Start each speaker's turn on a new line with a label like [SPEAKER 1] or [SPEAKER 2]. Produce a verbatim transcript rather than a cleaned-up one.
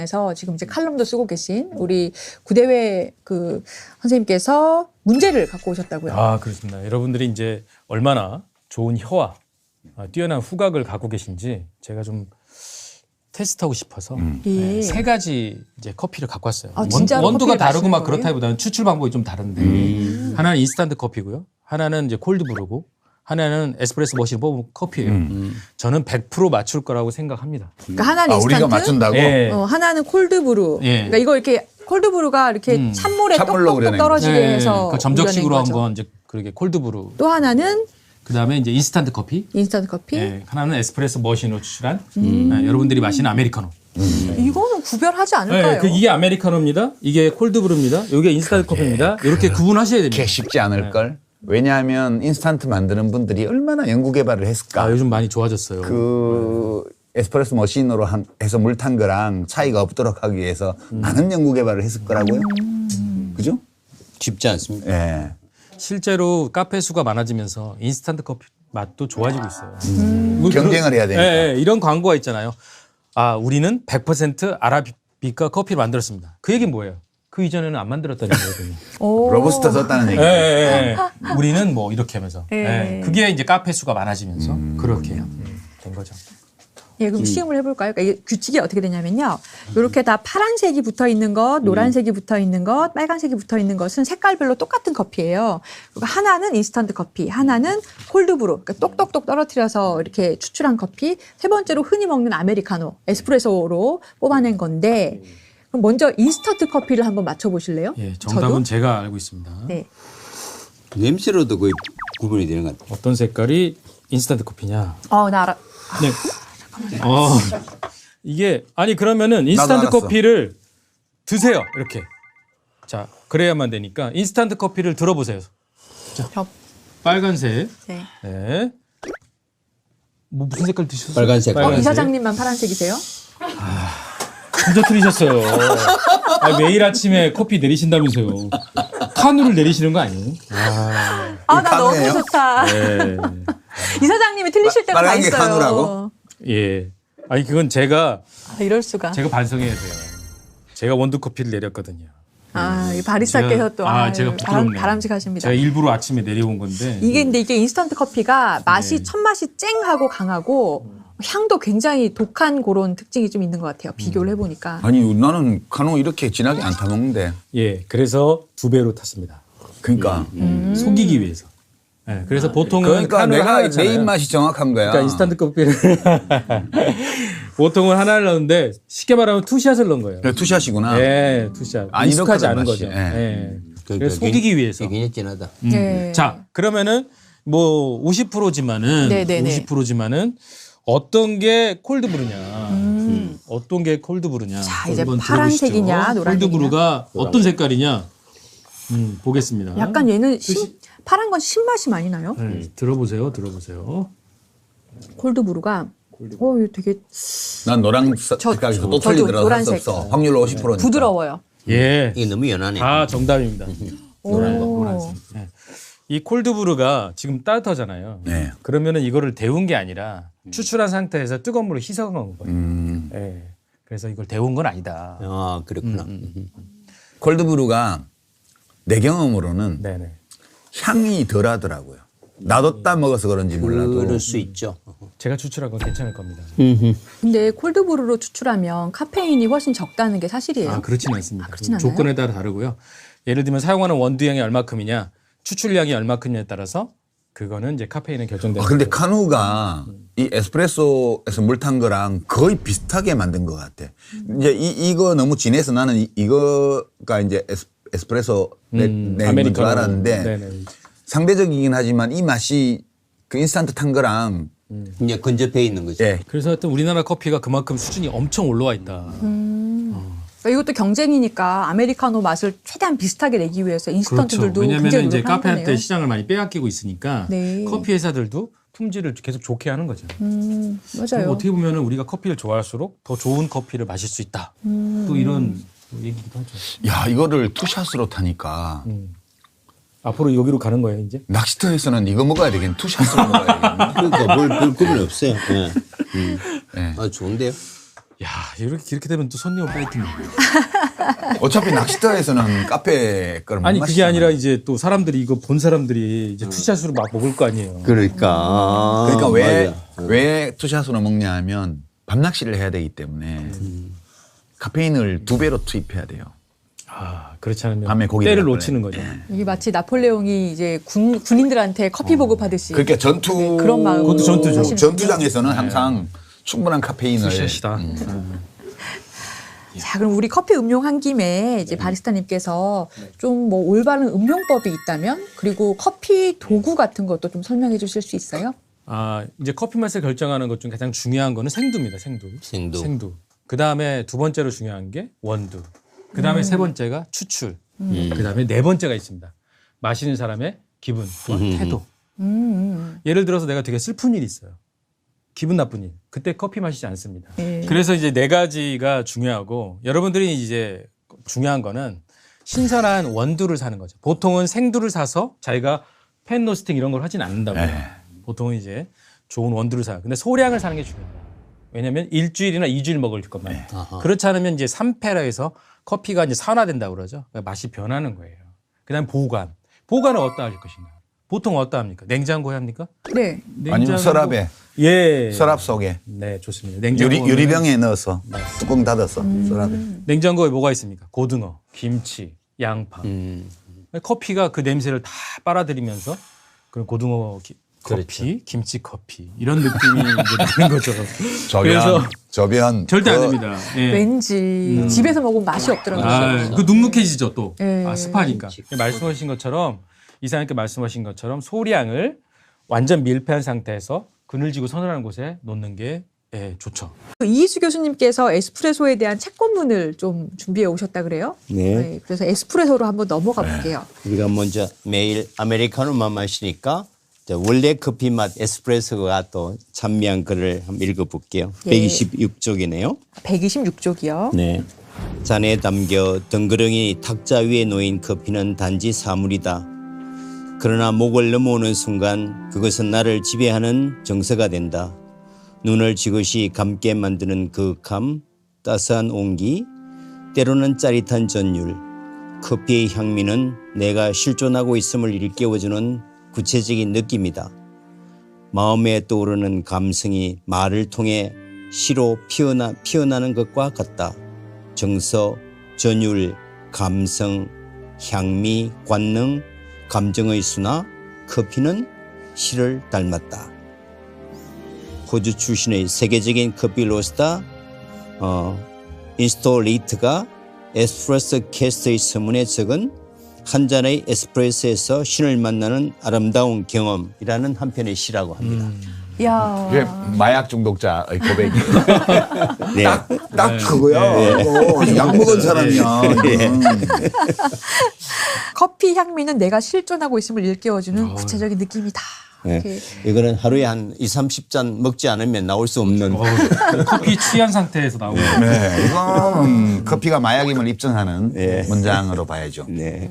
[SPEAKER 1] 관련해서 지금 이제 칼럼도 쓰고 계신 우리 구대회 그 선생님께서 문제를 갖고 오셨다고요.
[SPEAKER 2] 아, 그렇습니다. 여러분들이 이제 얼마나 좋은 혀와 뛰어난 후각을 갖고 계신지 제가 좀 테스트하고 싶어서
[SPEAKER 1] 음.
[SPEAKER 2] 네,
[SPEAKER 1] 예.
[SPEAKER 2] 세 가지 이제 커피를 갖고 왔어요.
[SPEAKER 1] 아,
[SPEAKER 2] 원,
[SPEAKER 1] 진짜로
[SPEAKER 2] 원두가
[SPEAKER 1] 커피를
[SPEAKER 2] 다르고 막
[SPEAKER 1] 마시는 거예요?
[SPEAKER 2] 그렇다기보다는 추출 방법이 좀 다른데
[SPEAKER 3] 음.
[SPEAKER 2] 하나는 인스턴트 커피고요. 하나는 이제 콜드브루고 하나는 에스프레소 머신 뽑은 커피예요.
[SPEAKER 3] 음.
[SPEAKER 2] 저는 백 퍼센트 맞출 거라고 생각합니다.
[SPEAKER 1] 그러니까 하나는
[SPEAKER 3] 아,
[SPEAKER 1] 인스턴트,
[SPEAKER 3] 우리가 맞춘다고?
[SPEAKER 2] 예.
[SPEAKER 1] 어, 하나는 콜드브루.
[SPEAKER 2] 예.
[SPEAKER 1] 그러니까 이거 이렇게 콜드브루가 이렇게
[SPEAKER 2] 음.
[SPEAKER 1] 찬물에
[SPEAKER 3] 찬물로
[SPEAKER 1] 똑똑똑
[SPEAKER 3] 우려낸
[SPEAKER 1] 떨어지게
[SPEAKER 2] 네,
[SPEAKER 1] 해서
[SPEAKER 2] 그 점적식으로
[SPEAKER 1] 우려낸
[SPEAKER 2] 한
[SPEAKER 1] 거죠.
[SPEAKER 2] 건 이제 그렇게 콜드브루.
[SPEAKER 1] 또 하나는
[SPEAKER 2] 그다음에 이제 인스턴트 커피.
[SPEAKER 1] 인스턴트 커피.
[SPEAKER 2] 예, 하나는 에스프레소 머신으로 추출한 예, 여러분들이 마시는 아메리카노.
[SPEAKER 1] 이거는 구별하지 않을까요?
[SPEAKER 2] 네, 그 이게 아메리카노입니다. 이게 콜드브루입니다. 이게 인스턴트 커피입니다. 이렇게 구분하셔야 됩니다.
[SPEAKER 3] 그게 쉽지 않을 걸. 왜냐하면 인스턴트 만드는 분들이 얼마나 연구 개발을 했을까.
[SPEAKER 2] 아, 요즘 많이 좋아졌어요.
[SPEAKER 3] 그 에스프레소 머신으로 한, 해서 물 탄 거랑 차이가 없도록 하기 위해서 많은 연구 개발을 했을 거라고요. 그죠?
[SPEAKER 4] 쉽지 않습니다.
[SPEAKER 3] 예.
[SPEAKER 2] 실제로 카페 수가 많아지면서 인스턴트 커피 맛도 좋아지고 있어요. 뭐
[SPEAKER 3] 경쟁을
[SPEAKER 2] 그런-
[SPEAKER 3] 해야 되니까.
[SPEAKER 2] 예, 예, 이런 광고가 있잖아요. 아, 우리는 백 퍼센트 아라비카 커피를 만들었습니다. 그 얘기는 뭐예요? 그 이전에는 안 만들었다는 거거든요.
[SPEAKER 1] 오.
[SPEAKER 3] 로버스터 썼다는
[SPEAKER 2] 예,
[SPEAKER 3] 얘기.
[SPEAKER 2] 예, 예. 우리는 뭐 이렇게 하면서.
[SPEAKER 1] 예.
[SPEAKER 2] 예. 그게 이제 카페 수가 많아지면서 그렇게 음, 된 거죠.
[SPEAKER 1] 예, 그럼 시음을 해볼까요? 그러니까 이게 규칙이 어떻게 되냐면요. 이렇게 다 파란색이 붙어 있는 것, 노란색이 붙어 있는 것, 빨간색이 붙어 있는 것은 색깔별로 똑같은 커피예요. 그리고 하나는 인스턴트 커피, 하나는 콜드브루, 그러니까 똑똑똑 떨어뜨려서 이렇게 추출한 커피, 세 번째로 흔히 먹는 아메리카노, 에스프레소로 뽑아낸 건데, 그럼 먼저 인스턴트 커피를 한번 맞춰보실래요?
[SPEAKER 2] 예, 정답은
[SPEAKER 1] 저도?
[SPEAKER 2] 제가 알고 있습니다.
[SPEAKER 1] 네.
[SPEAKER 4] 냄새로도 거의 구분이 되는 것 같아요.
[SPEAKER 2] 어떤 색깔이 인스턴트 커피냐?
[SPEAKER 1] 어, 나 알아.
[SPEAKER 2] 네. 어, 이게 아니 그러면은 인스턴트
[SPEAKER 3] 알았어.
[SPEAKER 2] 커피를 드세요. 이렇게. 자, 그래야만 되니까 인스턴트 커피를 들어보세요.
[SPEAKER 1] 저,
[SPEAKER 2] 빨간색.
[SPEAKER 1] 네.
[SPEAKER 2] 네. 뭐 무슨 색깔 드셨어요?
[SPEAKER 4] 빨간색.
[SPEAKER 1] 어, 이 사장님만 파란색이세요?
[SPEAKER 2] 진짜 틀리셨어요. 아, 매일 아침에 커피 내리신다면서요. 카누를 내리시는 거 아니에요? 아,
[SPEAKER 1] 아, 나 너무
[SPEAKER 3] 카누예요?
[SPEAKER 1] 좋다.
[SPEAKER 2] 네.
[SPEAKER 1] 이 사장님이 틀리실 때가 다
[SPEAKER 3] 빨간 게
[SPEAKER 1] 있어요.
[SPEAKER 3] 카누라고?
[SPEAKER 2] 예. 아니 그건 제가
[SPEAKER 1] 아, 이럴 수가.
[SPEAKER 2] 제가 반성해야 돼요. 제가 원두 커피를 내렸거든요.
[SPEAKER 1] 아, 이 바리스타께서
[SPEAKER 2] 제가-
[SPEAKER 1] 또
[SPEAKER 2] 아,
[SPEAKER 1] 아유,
[SPEAKER 2] 제가
[SPEAKER 1] 바람,
[SPEAKER 2] 부끄럽네요.
[SPEAKER 1] 바람직하십니다.
[SPEAKER 2] 제가 일부러 아침에 내려온 건데.
[SPEAKER 1] 이게 근데 이게 인스턴트 커피가 맛이
[SPEAKER 2] 네.
[SPEAKER 1] 첫 맛이 쨍하고 강하고 향도 굉장히 독한 그런 특징이 좀 있는 것 같아요. 비교를 해보니까.
[SPEAKER 3] 아니 나는 카누 이렇게 진하게 안 타먹는데.
[SPEAKER 2] 예, 그래서 두 배로 탔습니다.
[SPEAKER 3] 그러니까.
[SPEAKER 1] 음.
[SPEAKER 2] 속이기 위해서. 예, 그래서 보통은
[SPEAKER 3] 그러니까
[SPEAKER 2] 카누를 하나
[SPEAKER 3] 내가 내
[SPEAKER 2] 넣잖아요.
[SPEAKER 3] 입맛이 정확한 거야.
[SPEAKER 2] 그러니까 인스턴트 커피를 보통은 하나를 넣는데 쉽게 말하면 투샷을 넣은 거예요.
[SPEAKER 3] 그래, 투샷이구나.
[SPEAKER 2] 예, 투샷.
[SPEAKER 3] 안
[SPEAKER 2] 익숙하지
[SPEAKER 3] 이렇거든,
[SPEAKER 2] 않은
[SPEAKER 3] 맛이.
[SPEAKER 2] 거죠.
[SPEAKER 3] 예.
[SPEAKER 2] 예.
[SPEAKER 4] 그-
[SPEAKER 2] 그래서
[SPEAKER 4] 그
[SPEAKER 2] 속이기
[SPEAKER 4] 굉-
[SPEAKER 2] 위해서.
[SPEAKER 4] 굉장히 진하다.
[SPEAKER 2] 음.
[SPEAKER 1] 네.
[SPEAKER 2] 자, 그러면은 뭐 오십 퍼센트지만은
[SPEAKER 1] 네네네.
[SPEAKER 2] 오십 퍼센트지만은 어떤 게 콜드브루냐?
[SPEAKER 1] 음.
[SPEAKER 2] 어떤 게 콜드브루냐?
[SPEAKER 1] 자, 이제
[SPEAKER 2] 한번
[SPEAKER 1] 파란색이냐,
[SPEAKER 2] 들어보시죠.
[SPEAKER 1] 노란색이냐.
[SPEAKER 2] 콜드브루가 어떤 색깔이냐? 음, 보겠습니다.
[SPEAKER 1] 약간 얘는 신, 파란 건 신맛이 많이 나요.
[SPEAKER 2] 네, 들어보세요, 들어보세요.
[SPEAKER 1] 콜드브루가. 어, 이거 되게
[SPEAKER 3] 난 노란
[SPEAKER 1] 저-
[SPEAKER 3] 색깔에서 또
[SPEAKER 1] 저도
[SPEAKER 3] 틀리더라도 할수
[SPEAKER 1] 노란색.
[SPEAKER 3] 없어. 확률 오십 퍼센트니까.
[SPEAKER 1] 부드러워요.
[SPEAKER 2] 예,
[SPEAKER 4] 이게 너무 연하네.
[SPEAKER 2] 다 정답입니다. 노란 거,
[SPEAKER 1] 오.
[SPEAKER 2] 노란색. 네. 이 콜드브루가 지금 따뜻하잖아요.
[SPEAKER 3] 네.
[SPEAKER 2] 그러면은 이거를 데운 게 아니라 추출한 상태에서 뜨거운 물을 희석한 거예요.
[SPEAKER 3] 음.
[SPEAKER 2] 예. 그래서 이걸 데운 건 아니다.
[SPEAKER 4] 아, 그렇구나. 음.
[SPEAKER 3] 콜드브루가 내 경험으로는
[SPEAKER 2] 네네.
[SPEAKER 3] 향이 덜하더라고요. 놔뒀다 먹어서 그런지 몰라도.
[SPEAKER 4] 그럴 수 있죠.
[SPEAKER 2] 제가 추출한 건 괜찮을 겁니다.
[SPEAKER 1] 근데 콜드브루로 추출하면 카페인이 훨씬 적다는 게 사실이에요.
[SPEAKER 2] 아, 그렇지는 않습니다.
[SPEAKER 1] 아, 그렇진 않아요?
[SPEAKER 2] 조건에 따라 다르고요. 예를 들면 사용하는 원두량이 얼마큼이냐, 추출량이 얼마큼이냐에 따라서 그거는 이제 카페인에 결정되는
[SPEAKER 3] 아, 근데
[SPEAKER 2] 거고.
[SPEAKER 3] 카누가 이 에스프레소에서 물 탄 거랑 거의 비슷하게 만든 것 같아. 이제 이, 이거 너무 진해서 나는 이, 이거가 이제 에스, 에스프레소 내,
[SPEAKER 2] 음,
[SPEAKER 3] 내는 건줄
[SPEAKER 2] 아메리카노.
[SPEAKER 3] 알았는데
[SPEAKER 2] 네네.
[SPEAKER 3] 상대적이긴 하지만 이 맛이 그 인스턴트 탄 거랑
[SPEAKER 4] 이제 근접해 있는 거죠.
[SPEAKER 3] 예.
[SPEAKER 2] 그래서 하여튼 우리나라 커피가 그만큼 수준이 엄청 올라와 있다.
[SPEAKER 1] 그러니까 이것도 경쟁이니까 아메리카노 맛을 최대한 비슷하게 내기 위해서 인스턴트들도
[SPEAKER 2] 그렇죠. 왜냐하면
[SPEAKER 1] 굉장히
[SPEAKER 2] 이제
[SPEAKER 1] 노력하는
[SPEAKER 2] 카페한테
[SPEAKER 1] 거네요.
[SPEAKER 2] 시장을 많이 빼앗기고 있으니까
[SPEAKER 1] 네.
[SPEAKER 2] 커피 회사들도 품질을 계속 좋게 하는 거죠.
[SPEAKER 1] 음, 맞아요.
[SPEAKER 2] 어떻게 보면 우리가 커피를 좋아할수록 더 좋은 커피를 마실 수 있다.
[SPEAKER 1] 음.
[SPEAKER 2] 또 이런 얘기기도 하죠.
[SPEAKER 3] 야 이거를 투샷으로 타니까
[SPEAKER 2] 음. 앞으로 여기로 가는 거예요, 이제?
[SPEAKER 3] 낚시터에서는 이거 먹어야 되겠네. 투샷으로 먹어야 되겠네.
[SPEAKER 4] 그러니까 뭘, 별 구분이 없어요. 예. 음.
[SPEAKER 3] 예.
[SPEAKER 4] 아, 좋은데요?
[SPEAKER 2] 야 이렇게 이렇게 되면 또 손님은 빠이트네.
[SPEAKER 3] 어차피 낚시터에서는 카페 거를 못
[SPEAKER 2] 아니 그게
[SPEAKER 3] 마시잖아요.
[SPEAKER 2] 아니라 이제 또 사람들이 이거 본 사람들이 이제 투샷으로 막 먹을 거 아니에요.
[SPEAKER 4] 그러니까.
[SPEAKER 3] 그러니까 왜,
[SPEAKER 4] 맞아.
[SPEAKER 3] 왜 투샷으로 먹냐 하면 밤낚시를 해야 되기 때문에 카페인을 두 배로 투입해야 돼요.
[SPEAKER 2] 아 그렇지 않으면
[SPEAKER 3] 밤에 고기
[SPEAKER 2] 때를
[SPEAKER 3] 먹을
[SPEAKER 2] 놓치는
[SPEAKER 3] 거네.
[SPEAKER 2] 거죠.
[SPEAKER 1] 이게 마치 나폴레옹이 이제 군, 군인들한테 커피 보급하듯이.
[SPEAKER 3] 그러니까 전투
[SPEAKER 1] 네, 그런 마음으로
[SPEAKER 2] 그것도 전투죠.
[SPEAKER 1] 하시는군요.
[SPEAKER 3] 전투장에서는 항상 충분한 카페인을
[SPEAKER 2] 투샷이다.
[SPEAKER 3] 음.
[SPEAKER 1] 자, 그럼 우리 커피 음용한 김에 이제 바리스타님께서 좀 뭐 올바른 음용법이 있다면 그리고 커피 도구 같은 것도 좀 설명해 주실 수 있어요?
[SPEAKER 2] 아 이제 커피 맛을 결정하는 것 중 가장 중요한 거는 생두입니다. 생두.
[SPEAKER 4] 생두.
[SPEAKER 2] 그 다음에 두 번째로 중요한 게 원두. 그 다음에 세 번째가 추출.
[SPEAKER 4] 음.
[SPEAKER 2] 그 다음에 네 번째가 있습니다. 마시는 사람의 기분, 또한
[SPEAKER 4] 음.
[SPEAKER 2] 태도.
[SPEAKER 1] 음.
[SPEAKER 2] 예를 들어서 내가 되게 슬픈 일이 있어요. 기분 나쁜 일. 그때 커피 마시지 않습니다.
[SPEAKER 1] 네.
[SPEAKER 2] 그래서 이제 네 가지가 중요하고 여러분들이 이제 중요한 거는 신선한 원두를 사는 거죠. 보통은 생두를 사서 자기가 팬 로스팅 이런 걸 하진 않는다고요.
[SPEAKER 3] 네.
[SPEAKER 2] 보통은 이제 좋은 원두를 사요. 근데 소량을 사는 게 중요해요. 왜냐하면 일주일이나 이주일 먹을 것만.
[SPEAKER 4] 아하.
[SPEAKER 2] 그렇지 않으면 이제 삼 패라 해서 커피가 이제 산화된다고 그러죠. 그러니까 맛이 변하는 거예요. 그다음 보관. 보관은 어디다 하실 것인가? 보통 어디다 합니까? 냉장고에 합니까?
[SPEAKER 1] 네.
[SPEAKER 3] 아니면 서랍에
[SPEAKER 2] 예.
[SPEAKER 3] 서랍 속에
[SPEAKER 2] 네, 좋습니다. 냉장고
[SPEAKER 3] 유리, 유리병에 넣어서
[SPEAKER 2] 네.
[SPEAKER 3] 뚜껑 닫아서 서랍에
[SPEAKER 2] 냉장고에 뭐가 있습니까? 고등어, 김치, 양파.
[SPEAKER 4] 음.
[SPEAKER 2] 커피가 그 냄새를 다 빨아들이면서 그런 고등어 기- 커피,
[SPEAKER 4] 그렇죠.
[SPEAKER 2] 김치 커피 이런 느낌이 이제 나는 거죠.
[SPEAKER 3] 저변
[SPEAKER 2] 그래서
[SPEAKER 3] 저변
[SPEAKER 2] 절대 안
[SPEAKER 3] 그
[SPEAKER 2] 됩니다. 예.
[SPEAKER 1] 왠지 집에서 먹으면 맛이 없더라고요.
[SPEAKER 2] 아, 그 눅눅해지죠 또.
[SPEAKER 1] 예.
[SPEAKER 2] 아, 습하니까. 말씀하신 것처럼 이사님께 말씀하신 것처럼 소량을 완전 밀폐한 상태에서 그늘지고 서늘한 곳에 놓는 게 예, 좋죠.
[SPEAKER 1] 이희수 교수님께서 에스프레소에 대한 책권문을 좀 준비해 오셨다 그래요?
[SPEAKER 4] 네.
[SPEAKER 1] 그래서 에스프레소로 한번 넘어가 볼게요.
[SPEAKER 4] 우리가 먼저 매일 아메리카노만 마시니까 이제 원래 커피 맛 에스프레소가 또 찬미한 글을 한번 읽어볼게요.
[SPEAKER 1] 예.
[SPEAKER 4] 백이십육 쪽이네요.
[SPEAKER 1] 백이십육 쪽이요.
[SPEAKER 4] 네. 잔에 담겨 덩그러니 탁자 위에 놓인 커피는 단지 사물이다. 그러나 목을 넘어오는 순간 그것은 나를 지배하는 정서가 된다. 눈을 지그시 감게 만드는 그 감, 따스한 온기, 때로는 짜릿한 전율, 커피의 향미는 내가 실존하고 있음을 일깨워주는 구체적인 느낌이다. 마음에 떠오르는 감성이 말을 통해 시로 피어나, 피어나는 것과 같다. 정서, 전율, 감성, 향미, 관능, 감정의 순화, 커피는 시를 닮았다. 호주 출신의 세계적인 커피 로스터 어, 인스톨레이트가 에스프레소 캐스트의 서문에 적은 한 잔의 에스프레소에서 신을 만나는 아름다운 경험이라는 한 편의 시라고 합니다.
[SPEAKER 1] 이야.
[SPEAKER 3] 이게 마약 중독자의 고백이
[SPEAKER 4] 네.
[SPEAKER 3] 딱, 딱 그거야. 이거 약 먹은 사람이야. 이거는.
[SPEAKER 1] 커피 향미는 내가 실존하고 있음을 일깨워주는 구체적인 느낌이다.
[SPEAKER 4] 네.
[SPEAKER 1] 이렇게.
[SPEAKER 4] 이거는 하루에 한 이삼십 잔 먹지 않으면 나올 수 없는
[SPEAKER 2] 어우, 커피 취한 상태에서 나오는
[SPEAKER 3] 네, 이건 커피가 마약임을 입증하는
[SPEAKER 4] 네.
[SPEAKER 3] 문장으로 봐야죠.
[SPEAKER 4] 네.